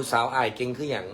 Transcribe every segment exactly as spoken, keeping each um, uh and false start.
ผู้สาวอายเก่งคืออย่าง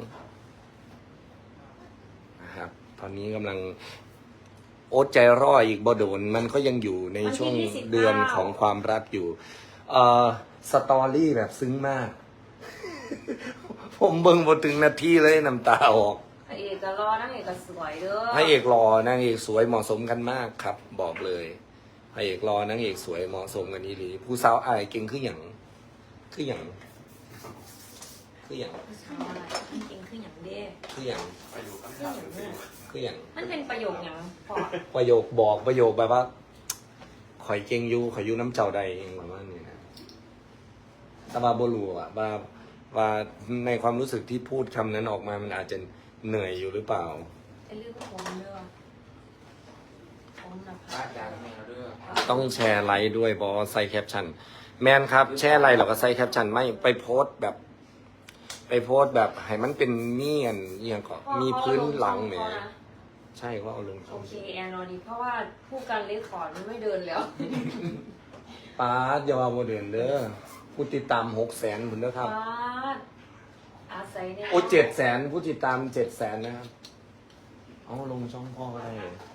นะครับตอนนี้กำลังโอ๊ตใจร่ออีกบ่โดนมันก็ยังอยู่ในช่วงเดือนของความรักอยู่เอ่อสตอรี่แบบซึ้งมาก ผมเบิ่งบทถึงนาทีเลยน้ำตาออกพระเอกก็รอนั่งเอกก็สวยเด้อพระเอกรอนางเอกสวยเหมาะสมกันมากครับ บอกเลยพระเอกรอนางเอกสวยเหมาะสมกันนี่หรือผู้สาวอายเก่งคืออย่างคืออย่างคืออย่างผู้ชายมันจริงคืออย่างเด้คืออย่างคืออย่างเด้อคืออย่างมันเป็นประโยคอย่างพอประโยคบอกประโยคแบบว่าข่อยเก่งอยู่ข่อยอยู่น้ำเจ้าใดเองประมาณนี้นะแต่ว่าบ่รู้อะว่าว่าในความรู้สึกที่พูดคำนั้นออกมามันอาจจะเหนื่อยอยู่หรือเปล่าไอ้เรื่องผมเด้อผมนะบ้าคะนจางแมวเด้อต้องแชร์ไลค์ด้วยบอใส่แคปชั่นแมนครับแชร์ไลค์หรอก็ใส่แคปชั่นไม่ไปโพสต์แบบ ไปโพสต์แบบให้มันเป็นเมียนเอียงก็มีพื้นหลังแหมใช่ก็เอาลงโอเคแอนรอดีเพราะว่าผู้การเลคคอร์ดมันไม่เดินแล้วป้าดอย่าว่าโมเดิร์นเด้อผู้ติดตามหกแสนคุณเด้อครับฟาดอาศัยเนี่ยโอ้เจ็ดแสนผู้ติดตามเจ็ดแสนนะครับเอาลงช่องพ่อก็ได้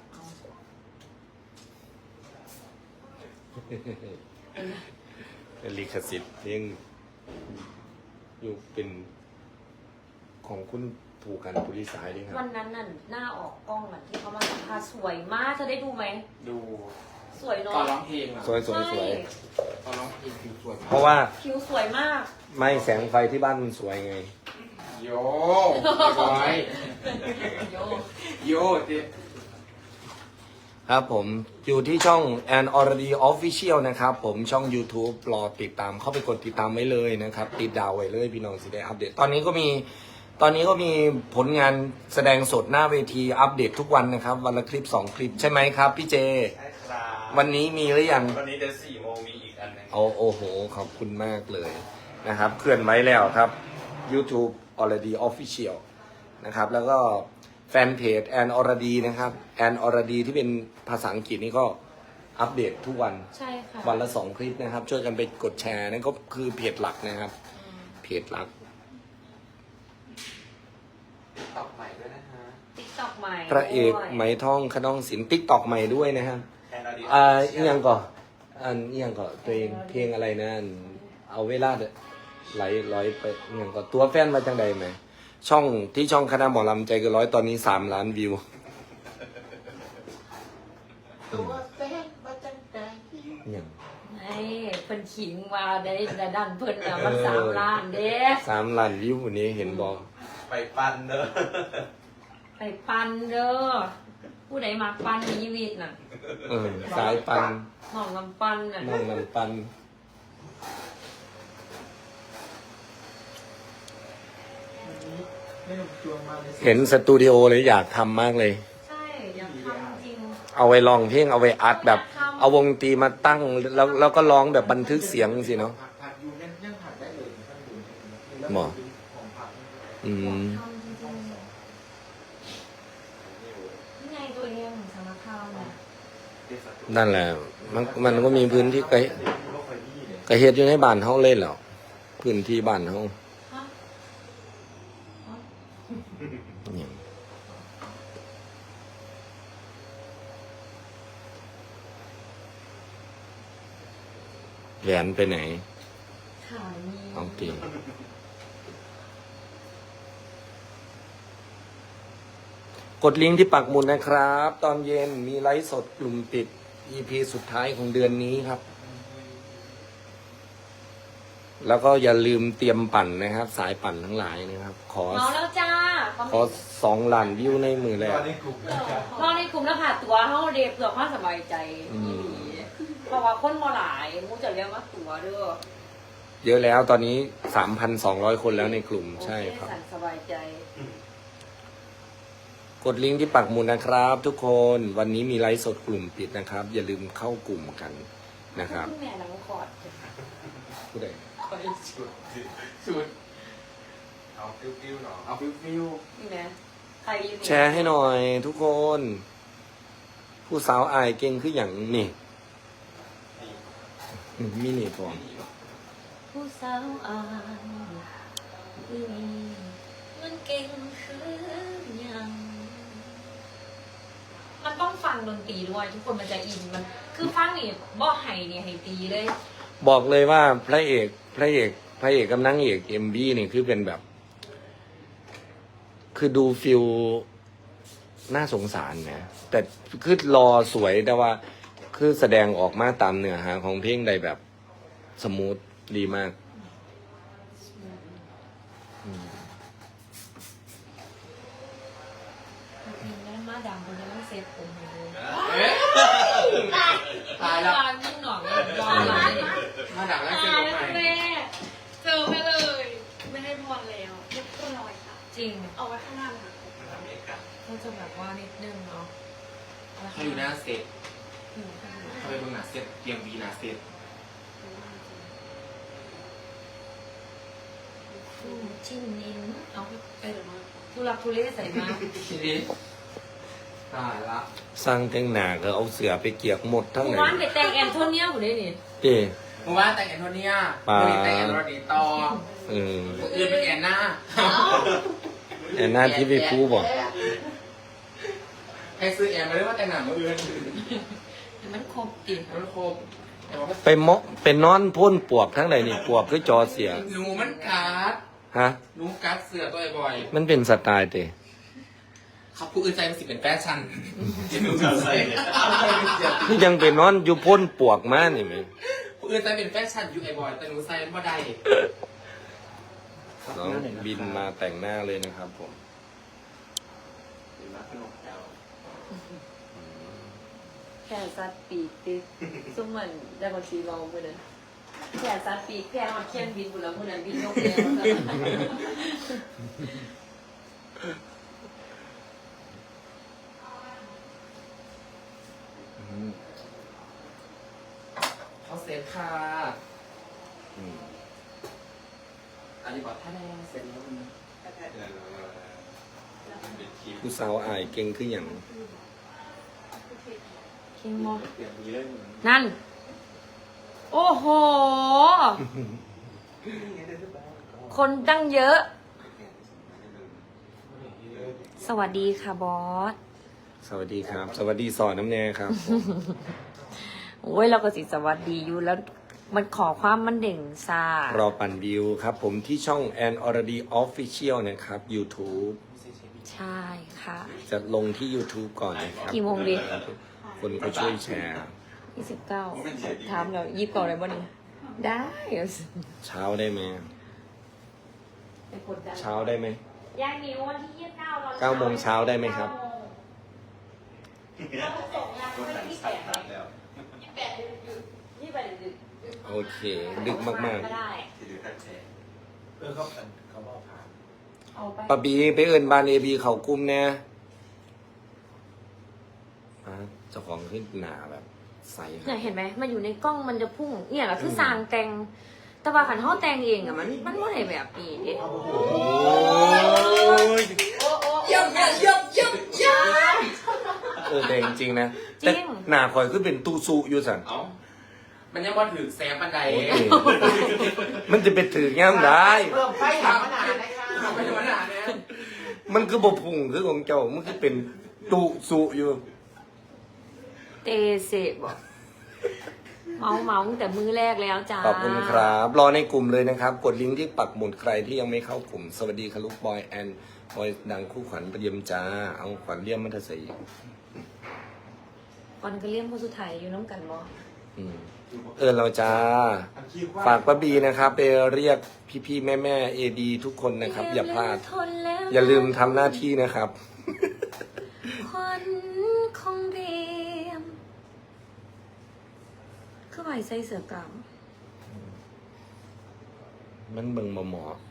เป็นลิขสิทธิ์เลี้ยงอยู่เป็นของคุณถูกกันปุริสายด้วยครับวันนั้นน่ะหน้าออกกล้องอ่ะที่เขามาสัมภาษณ์สวยมากเธอได้ดูไหมดูสวยตเนาะอนร้องเพลงอะสวยสวยสวยตอนร้องเพลงผิวสวยมากเพราะว่าผิวสวยมากไม่แสงไฟที่บ้านมันสวยไงโยร้อยโยโยเจ๊ครับผมอยู่ที่ช่อง An Already Official นะครับผมช่อง YouTube รอติดตามเข้าไปกดติดตามไว้เลยนะครับ ติดดาวไว้เลยพี่น้องสิได้อัปเดตตอนนี้ก็มีตอนนี้ก็มีผลงานแสดงสดหน้าเวทีอัปเดตทุกวันนะครับวันละคลิปสองคลิปใช่ไหมครับพี่เจใช่ครับวันนี้มีหรือยังวันนี้เดี๋ยวสี่โมงมีอีกอันหนึงโอ้โอ้โหขอบคุณมากเลยนะครับเคลื่อนไว้แล้วครับ YouTube Already Official นะครับแล้วก็แฟนเพจ An Already นะครับ An Already ที่เป็นภาษาอังกฤษนี่ก็อัปเดตทุกวันใช่ค่ะวันละสองคลิปนะครับ ช่วยกันไปกดแชร์นั่นก็คือเพจหลักนะครับ เพจหลักตอกใหม่ด้วยนะฮะติ๊กต็อกใหม่พระเอกไหมท่องขนองศิลป์ติ๊กตอกใหม่ด้วยนะครับแอนอดีตอ่าอีกอย่างก่อนอันอีกอย่างก่อนตัวเองเพลงอะไรนะอันเอาเวลาเด้อไหลร้อยไปอีกอย่างก่อนตัวแฟนมาจังใดไหมช่องที่ช่องคณะหมอลำใจเกินร้อยตอนนี้สามล้านวิวตัวแฟนมาจังใจอย่างไอ้เพิ่นขิงมาได้แต่ดันเพิ่นอะมันสามล้านเด้สามล้านวิววันนี้เห็นบอกไปปั้นเด้อไปปันเด้อผู้ใดมักปันในชีวิตน่ะเออสายปันหม่องลำปันน่ะน้องลำปันไม่หนุ่มจวงมาเลยเห็นสตูดิโอเลยอยากทำมากเลยใช่อยากทำจริงเอาไว้ลองเพลงเอาไว้อัดแบบ เอาวงดนตรีมาตั้งแล้วแล้วก็ร้องแบบบันทึกเสียงสิเนาะผักผักอยู่ยังยังผักได้เลยท่านดูหมอของผักอือยากมทำจริงๆนี่ไงตัวเองของสารคามน่ะนั่นแหละ มันมันก็มีพื้นที่ไกลกระเฮ็ดอยู่ในบ้านเฮาเลยแล้วพื้นที่บ้านเฮาฮะฮะเนี่ยแหวนไปไหนขายมีเอาตีกดลิงก์ที่ปักหมุดนะครับ ตอนเย็นมีไลฟ์สดกลุ่มปิด อี พี สุดท้ายของเดือนนี้ครับ แล้วก็อย่าลืมเตรียมปั่นนะครับ สายปั่นทั้งหลายนะครับ ขอเมาแล้วจ้าขอสองล้านวิวในมือแรกตอนนี้กลุ่มนะครับเมาในกลุ่มแล้วค่ะตัวเฮาเดเพื่อความสบายใจอืมเพราะว่าคนบ่หลายมูจะเรียกว่าตัวเด้อเยอะแล้วตอนนี้สามพันสองร้อยคนแล้วในกลุ่มใช่ครับโอเสั่นสบายใจกดลิงก์ที่ปักหมุดนะครับ ทุกคนวันนี้มีไลฟ์สดกลุ่มปิดนะครับ อย่าลืมเข้ากลุ่มกันนะครับณแม่หลังคอร์ดผู้ใดชุดชุดเอาฟิวฟิวหน่อยเอาฟิวฟิวนี่นะใครอยู่นี่แชร์ให้หน่อยทุกคน ผู้สาวอายเก่งคืออย่างนี่อืมมินิก่อนผู้สาวอายอืมมันเก่งคือยังมันต้องฟังดนตรีด้วยทุกคนมันจะอินมันคือฟังนี่บ่ไห้เนี่ยให้ตีเลยบอกเลยว่าพระเอกพระเอกพระเอกกับนางเอกเอ็มบีนี่คือเป็นแบบ คือดูฟิลน่าสงสารนะแต่คือรอสวยแต่ว่า คือแสดงออกมาตามเนื้อหาของเพลงใดแบบสมูทดีมากอืมมีนั่นมาดำคนนี้ต้องเซฟผมให้ดูตายแล้วรอยิ่งหน่อยรออะไรเนี่ยมาดักแล้วเจอตายใหแล้วม่แม่เจอไปเลย ไม่ให้พรแล้วเรียบร้อยค่ะจริงเอาไว้ข้างหน้าเลยค่ะมันทำเองกันก็จะแบบว่านิดนึงเนาะเขาอยู่หน้าเซตอืมค่ะเขาไปเบิ่งหน้าเซตเตรียมวีหน้าเซตอืมชิ้นนิ้นเอาไปทุลักทุเลใส่มาทีนี้ตายละสร้างแต่งหน้าก็เอาเสือไปเกียกหมดทั้งหไหนมู่บ้านไปแต่งแอนโทเนียอยู่ได้นี่เจ้เมื่อวานแต่งแอนโทเนียปาวันนี้แต่งแอนโรดีต่อเออคนอื่นเป็นแอนหน้าแอนหน้าที่ไปพูบอกให้ซื้อแอนมาเรียกว่าแต่งหนังมาเอือนมันครบติมันครบแต่ว่าไปเมาะเป็นนอนพ่นปวกทั้งไหนนี่ปวกคือจอเสียหนูมันกัดฮะหนูกัดเสือตัวบ่อยมันเป็นสไตล์เตะเขาผู้อื่นใจมันสิเป็นแฟชั่นหนูจะใส่ที่ยังเป็นนอนอยู่พ่นปวกมานี่ไหมผู้อื่นใจเป็นแฟชั่นอยู่ไอ้บ่อยแต่หนูใส่ไม่ได้น้องบินมาแต่งหน้าเลยนะครับผมแค่ซัดปีกติซุ่มมันได้บางทีลองมือนั้นแค่ซัดปีกแค่นอนเคียนบินบุแล้วมือนั้นบินนกแล้วเขาเซฟค่ะอืมอันนี้บอกถ้าได้เสร็จแล้วมันเป็นคลิปผู้สาวอายเก่งขึ้นอย่างคิงโมเปลี่ยนมีเรื่องนั่น โอ้โห คนตั้งเยอะ สวัสดีค่ะบอสสวัสดีครับ สวัสดีสอนน้ำแน่ครับผมโอ้ยเราก็สิสวัสดีอยู่แล้วมันขอความมันเด่งซารอปั่นวิวครับผมที่ช่อง and already official นะครับ YouTube ใช่ค่ะจะลงที่ YouTube ก่อนนะครับกี่โมงดีคนก็ช่วยแชร์ยี่สิบเก้าถามเรายิบก่อนเลยบ่นี่ได้เช้าได้ไหมเป็นกดดันเช้าได้ไหมยายมิววันที่ยี่สิบเก้าตอนเก้าโมงเช้าได้ไหมครับเราส่งงานก็ไม่สั่งที่สั่แปงดแล้วยี่สิบแปดดึกยี่สิบแปดดึกโอเค ดึกมากก็ได้ที่ดูท่านแชร์เออเขาเขาบอกผ่านเอาไปๆปะบีไปเอินบานเอบีเขากุ้มแน่อ่ะเจ้าของขึ้นหนาแบบใสเนี่ยเห็นไหมมันอยู่ในกล้องมันจะพุ่งเนี่ยแหละคือสร้างแต่งแต่ว่าขันห้อแต่งเองอะมันมันไม่ได้แบบนี้เด็ดโอ้ยเยี่ยมเยี่ยมเยี่ยมเยี่ยมเยี่ยมเออแต่จริงๆนะแต่หนาคอยขึ้นเป็นตู้ซุอยู่สันเอ้ามันยังว่าถือแซมบันไดโอเคมันจะไปถือย่ามได้เพิ่มไฟถามมานานเลยค่ะทำไปธรรมดาเนี่ยมันคือบพุงคือของเจ้า มันคือเป็นตุสุอยู่เตเสบอกเมาเมาตั้งแต่มือแรกแล้วจ้าขอบคุณครับ รอในกลุ่มเลยนะครับ กดลิงก์ที่ปักหมุดใครที่ยังไม่เข้ากลุ่ม สวัสดีค่ะลูกบอยแอนบอยดังคู่ขวัญประเดียมจ้า เอาขวัญเลี่ยมมัธสีก่อนก็เลี้ยงผู้สุดท้ายอยู่น้ำกันบ่อืมเออเราจ้า ฝากป้าบีนะครับ ไปเรียกพี่ๆแม่ๆเอดีทุกคนนะครับ อย่าพลาดทนแล้วอย่าลืมทำหน้าที่นะครับควันของเรียมคือไหวใส่เสือกลางมันเบิ่งบ่หมออ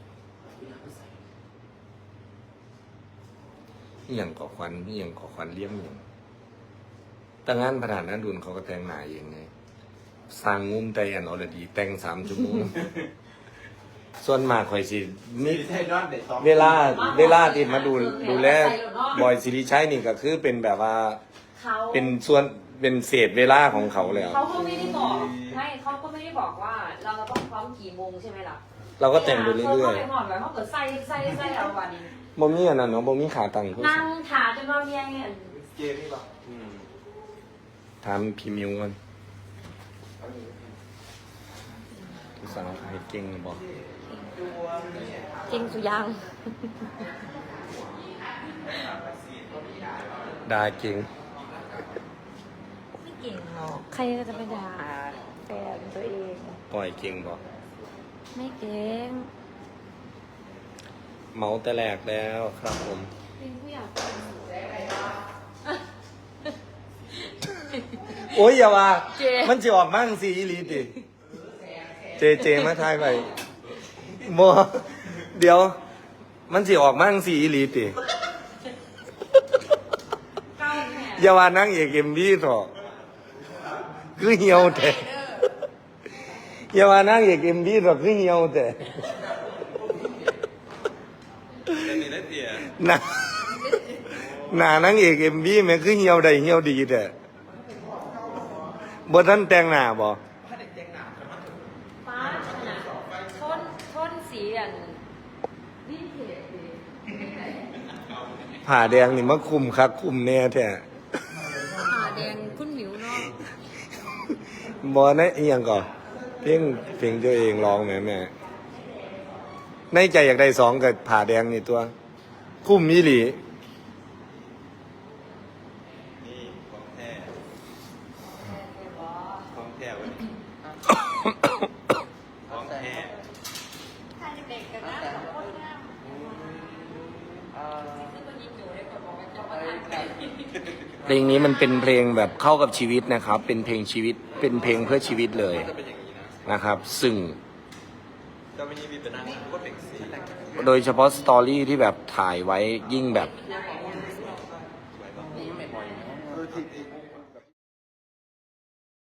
หย่างก่อควันอหย่างก่อควันเลี่ยมอย่างแต่งานประธานนัดุลเขาก็แต่งหน้าเองไงสร้างงุ้มแต่อันอรดี แต่งสามชั่วโมง ส่วนมากข่อยสิมีใช่นอนเด็ดซ้อมเวลาเวลาที่มาดูดูแลบอยสิริชัยนี่ก็คือเป็นแบบว่าเขาเป็นส่วนเป็นเศษเวลาของเขาแล้วเขาก็ไม่ได้บอกไม่เขาก็ไม่ได้บอกว่า เราจะต้องพร้อมกี่โมงใช่ไหมล่ะเราก็แต่งไปเรื่อยเขาไปหอดแบบเขาเกิดใส่ใส่ใส่เอาวันนี้ๆบ่มีอันนั้นเนาะบ่มีขาตั้งโทรศันั่พงท์ถาจนว่าเมียเนี่ยเกมนี่ป่ะอืมถามพี่มิวกันภาษาไทยเก่งบ่เก่งสุยังดาเก่งไม่เก่งหรอกใครก็จะไปด่าแฟนตัวเองปล่อยเก่งบ่ไม่เก่งเมาแต่แรกแล้วครับผมเป็นผู้อยากเป็นโอ้ยอย่าว่า มันจะออกมั่งสิอีหลีติ เจเจมาทายไปบ่เดี๋ยว มันสิออกมั่งสิอีหลีติก้าวแม่อย่าว่านั่งเอกเอ็มวีเถอะคือเหี่ยวแต่อย่าว่านั่งเอกเอ็มวีเถอะคือเหี่ยวแต่จะมีได้เตียหน้าหน้านั่งเอกเอ็มวีแม่งคือเหี่ยวได้เหี่ยวดีแต่บ่ทันแต่งหน้าบ่ฟ้าขนาดทนทนสีอันวินเทจเลยผ่าแดงนี่มาคุมคักคุมแน่แท้ผ่าแดงคุณหมิวเนาะบ่นะอีหยังก่อนเพลงเพลงตัวเองร้องแม่แม่ในใจอยากได้สองกับผ่าแดงนี่ตัว คุ้มมีหลีนี่ของแท้ของแท้วันนี้ของแท้ถ้าเด็กๆกันนะสองคนงามเพลงนี้มันเป็นเพลงแบบเข้ากับชีวิตนะครับ เป็นเพลงชีวิต เป็นเพลงเพื่อชีวิตเลยจะเป็นอย่างนี้นะนะครับ ซึ่งจะไม่มีเป็นนั่งก็เป็นสีโดยเฉพาะสตอรี่ที่แบบถ่ายไว้ยิ่งแบบสวยป่ะเออที่